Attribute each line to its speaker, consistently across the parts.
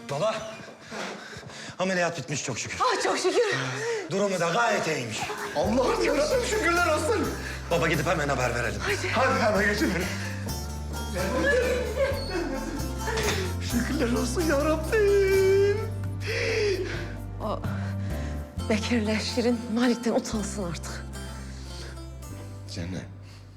Speaker 1: Baba, ameliyat bitmiş çok şükür.
Speaker 2: Ah çok şükür.
Speaker 1: Durumu da gayet iyiymiş.
Speaker 3: Allah'ım yarabbim şükürler olsun.
Speaker 1: Baba gidip hemen haber verelim.
Speaker 3: Hadi hemen geçelim. Şükürler olsun yarabbim.
Speaker 2: O Bekir'le Şirin Malik'ten utansın artık.
Speaker 4: Cennet.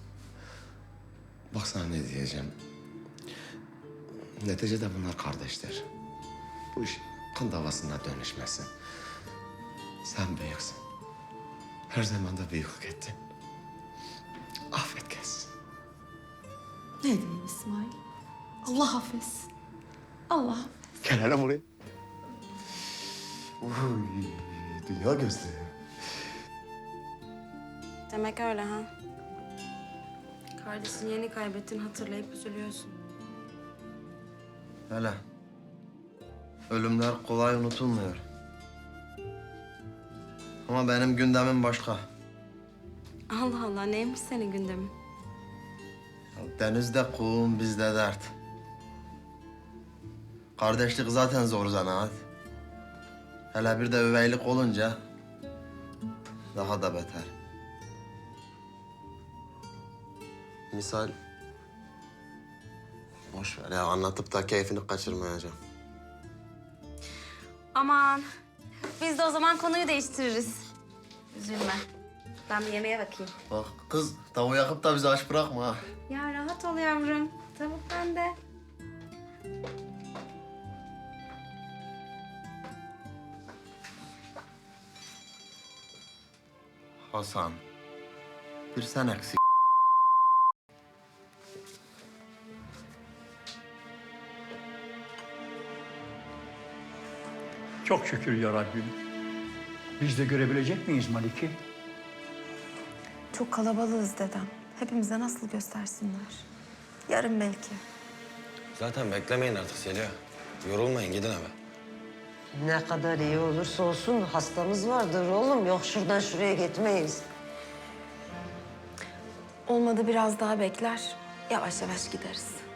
Speaker 4: Bak sana ne diyeceğim. Neticede bunlar kardeşler. Bu iş kan davasına dönüşmesin. Sen büyüksün. Her zaman da büyüklük ettin. Affet gelsin.
Speaker 2: Ne diyeyim İsmail? Allah affetsin. Allah affetsin.
Speaker 3: Gel hele buraya. Uy, dünya gözlü.
Speaker 5: Demek öyle ha. Kardeşini yeni kaybettin, hatırlayıp üzülüyorsun.
Speaker 6: Hele. Ölümler kolay unutulmuyor. Ama benim gündemim başka.
Speaker 5: Allah Allah, neymiş senin gündemin?
Speaker 6: Denizde kum, bizde dert. Kardeşlik zaten zor zanaat. Hele bir de üveylik olunca daha da beter. Misal, boş ver ya, anlatıp da keyfini kaçırmayacağım.
Speaker 5: Aman, biz de o zaman konuyu değiştiririz. Üzülme. Ben bir yemeğe bakayım.
Speaker 6: Bak kız, tavuğu yakıp da bizi aç bırakma ha.
Speaker 5: Ya rahat ol yavrum. Tavuk bende.
Speaker 6: Hasan, bir sen eksik.
Speaker 7: Çok şükür ya Rabbim. Biz de görebilecek miyiz Malik'i?
Speaker 8: Çok kalabalığız dedem. Hepimize nasıl göstersinler? Yarın belki.
Speaker 1: Zaten beklemeyin artık Zeliha. Yorulmayın, gidin eve.
Speaker 9: Ne kadar iyi olursa olsun hastamız vardır oğlum. Yok şuradan şuraya gitmeyiz.
Speaker 8: Olmadı biraz daha bekler. Yavaş yavaş gideriz.